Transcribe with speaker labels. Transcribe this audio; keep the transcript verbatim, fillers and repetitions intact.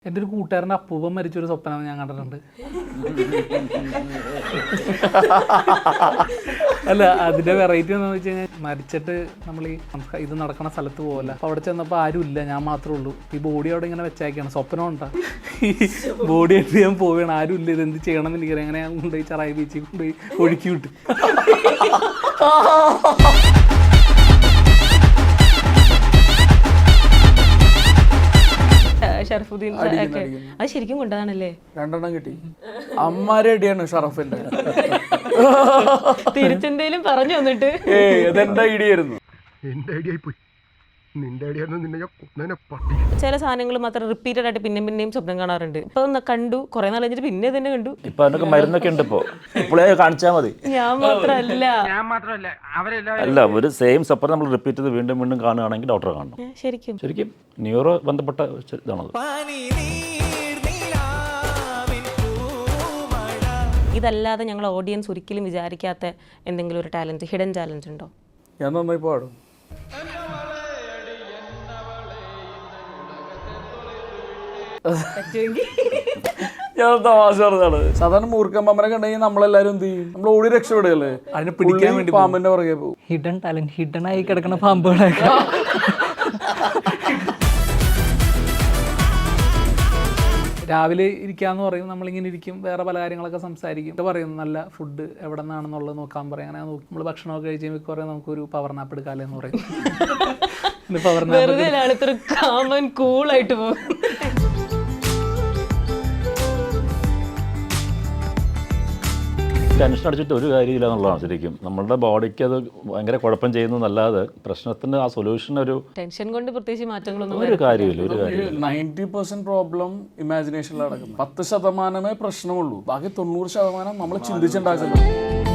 Speaker 1: എൻ്റെ ഒരു കൂട്ടുകാരൻ്റെ അപ്പൂപ്പൻ മരിച്ചൊരു സ്വപ്നം ഞാൻ കണ്ടിട്ടുണ്ട്. അല്ല, അതിൻ്റെ വെറൈറ്റി എന്താണെന്ന് വെച്ച് കഴിഞ്ഞാൽ മരിച്ചിട്ട് നമ്മൾ ഈ ഇത് നടക്കുന്ന സ്ഥലത്ത് പോകല്ല. അപ്പോൾ അവിടെ ചെന്നപ്പോൾ ആരും ഇല്ല, ഞാൻ മാത്രമേ ഉള്ളൂ. ഈ ബോഡി അവിടെ ഇങ്ങനെ വെച്ചേക്കാണ്, സ്വപ്നം ഉണ്ടാ ഈ ബോഡി ആയിട്ട് ഞാൻ പോവുകയാണ്, ആരും ഇല്ല, ഇതെന്ത് ചെയ്യണം എന്ന് എനിക്കറിയാം. അങ്ങനെ ഞാൻ കൊണ്ടുപോയി ചെറായി ബീച്ചിൽ കൊണ്ടുപോയി ഒഴുക്കി വിട്ടു.
Speaker 2: ഷറഫുദ്ദീൻ അത് ശരിക്കും കൊണ്ടതാണല്ലേ?
Speaker 3: രണ്ടെണ്ണം കിട്ടി. അമ്മാരെ അടിയാണ് ഷറഫിന്റെ.
Speaker 2: തിരിച്ചെന്തേലും പറഞ്ഞു വന്നിട്ട്
Speaker 3: ഏയ് അതെന്റെ ഐഡിയ ആയിരുന്നു.
Speaker 4: എന്റെ ഐഡിയ പോയി. നിന്റെ ഐഡിയ
Speaker 2: ചില സാധനങ്ങൾ മാത്രം റിപ്പീറ്റഡ് ആയിട്ട് പിന്നെയും പിന്നെയും സ്വപ്നം കാണാറുണ്ട്. ഇപ്പൊ കണ്ടു, കുറെ നാൾ കഴിഞ്ഞിട്ട് പിന്നെ തന്നെ കണ്ടു.
Speaker 5: ഇപ്പൊ അതിനൊക്കെ മരുന്നൊക്കെ ഉണ്ട്. ഇപ്പൊ ഇപ്പോഴേ കാണിച്ചാൽ മതി.
Speaker 2: ഞാൻ മാത്രല്ല
Speaker 5: അല്ല, ഒരു സെയിം സ്വപ്നം നമ്മൾ റിപ്പീറ്റ് ചെയ്ത് വീണ്ടും വീണ്ടും കാണുകയാണെങ്കിൽ ഡോക്ടറെ കാണണം.
Speaker 2: ശരിക്കും
Speaker 5: ശരിക്കും ന്യൂറോ ബന്ധപ്പെട്ട ഇതാണത്.
Speaker 2: ഇതല്ലാതെ ഞങ്ങൾ ഓഡിയൻസ് ഒരിക്കലും വിചാരിക്കാത്ത എന്തെങ്കിലും ഒരു ടാലന്റ്, ഹിഡൻ ടാലന്റ് ഉണ്ടോ?
Speaker 3: ഞാൻ നന്നായി പാടും. ഞാൻ തമാശ പറഞ്ഞതാണ്. സാധാരണ മൂർഖമ്മനെ കണ്ടുകഴിഞ്ഞാൽ നമ്മളെല്ലാരും എന്ത് ചെയ്യും? നമ്മൾ ഓടി രക്ഷപ്പെടുകയല്ലേ,
Speaker 1: അതിനെ പിടിക്കാൻ വേണ്ടി
Speaker 3: പാമ്പിന്റെ പുറകെ പോകും.
Speaker 1: ഹിഡൻ ടാലന്റ്, ഹിഡൻ ആയി കിടക്കുന്ന പാമ്പുകളൊക്കെ. രാവിലെ ഇരിക്കാന്ന് പറയും, നമ്മളിങ്ങനെ ഇരിക്കും, വേറെ പല കാര്യങ്ങളൊക്കെ സംസാരിക്കും. ഇത് പറയും നല്ല ഫുഡ് എവിടെ നിന്നാണെന്നുള്ളത് നോക്കാൻ പറയും. അങ്ങനെ നോക്കി നമ്മൾ ഭക്ഷണമൊക്കെ കഴിച്ച് കഴിയുമ്പോൾ കുറേ നമുക്കൊരു പവർ നാപ്പ് എടുക്കാമല്ലോ എന്ന് പറയും. പവർ നാപ്പ്
Speaker 2: കാമൻ കൂളായിട്ട് പോകും.
Speaker 5: ടെൻഷൻ അടിച്ചിട്ട് ഒരു കാര്യമില്ല എന്നുള്ളതാണ് ശരിക്കും. നമ്മളുടെ ബോഡിക്ക് അത് ഭയങ്കര കുഴപ്പം ചെയ്യുന്നതല്ലാതെ പ്രശ്നത്തിന് ആ സൊല്യൂഷൻ ഒരു
Speaker 2: ടെൻഷൻ കൊണ്ട് പ്രത്യേകിച്ച് മാറ്റങ്ങളൊന്നും
Speaker 5: ഒരു കാര്യമില്ല. ഒരു കാര്യം
Speaker 3: നയൻറ്റി പെർസെന്റ് പ്രോബ്ലം ഇമാജിനേഷനിൽ നടക്കുന്നത്. പത്ത് ശതമാനമേ പ്രശ്നമുള്ളൂ, ബാക്കി തൊണ്ണൂറ് ശതമാനം നമ്മൾ ചിന്തിച്ചുണ്ടാക്കുന്നത്.